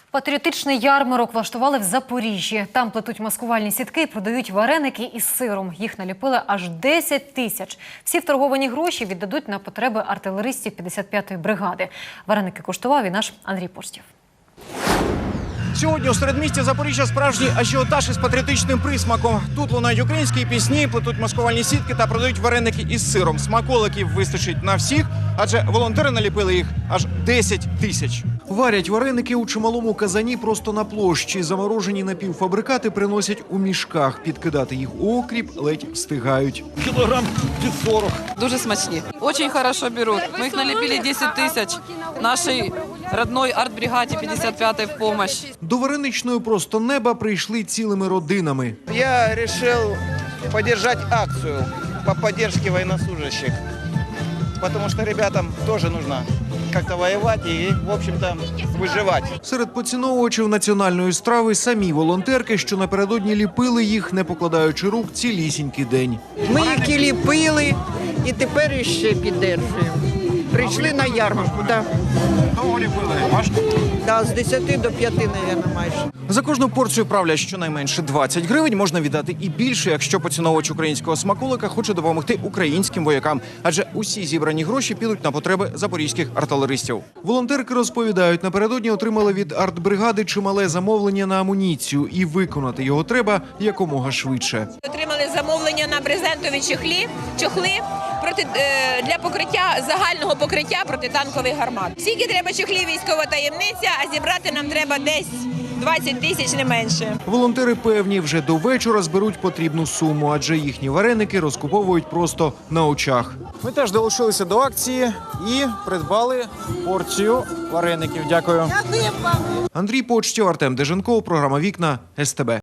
Патріотичний ярмарок влаштували в Запоріжжі. Там плетуть маскувальні сітки і продають вареники із сиром. Їх наліпили аж 10 тисяч. Всі вторговані гроші віддадуть на потреби артилеристів 55-ї бригади. Вареники куштував і наш Андрій Постів. Сьогодні у середмісті Запоріжжя справжній ажіотаж із патріотичним присмаком. Тут лунають українські пісні, плетуть маскувальні сітки та продають вареники із сиром. Смаколиків вистачить на всіх, адже волонтери наліпили їх аж 10 тисяч. Варять вареники у чималому казані просто на площі. Заморожені напівфабрикати приносять у мішках. Підкидати їх у окріп ледь встигають. Кілограм під 40. Дуже смачні. Очень хорошо беруть. Ми їх наліпили 10 тисяч нашій родной артбригаді 55-ї в помощь. До вареничної просто неба прийшли цілими родинами. Я решил поддержать акцию по поддержке военнослужащих, потому что ребятам тоже нужно как-то воевать и, в общем-то, выживать. Серед поціновувачів національної страви самі волонтерки, що напередодні ліпили їх, не покладаючи рук, цілісінький день. Ми їх і ліпили, і тепер іще піддержуємо. Прийшли на ярмарку, так. Довго ліпили? Важко? Да, з 10 до 5, мабуть, майже. За кожну порцію правлять щонайменше 20 гривень. Можна віддати і більше, якщо поціновувач українського смаколика хоче допомогти українським воякам. Адже усі зібрані гроші підуть на потреби запорізьких артилеристів. Волонтерки розповідають, напередодні отримали від артбригади чимале замовлення на амуніцію. І виконати його треба якомога швидше. Отримали замовлення на брезентові чохли для покриття, загального покриття протитанкових гармат. Скільки треба чохлів, військова таємниця, а зібрати нам треба десь 20 тисяч, не менше. Волонтери певні, вже до вечора зберуть потрібну суму, адже їхні вареники розкуповують просто на очах. Ми теж долучилися до акції і придбали порцію вареників. Дякую. Андрій Почтів, Артем Деженков, програма «Вікна», СТБ.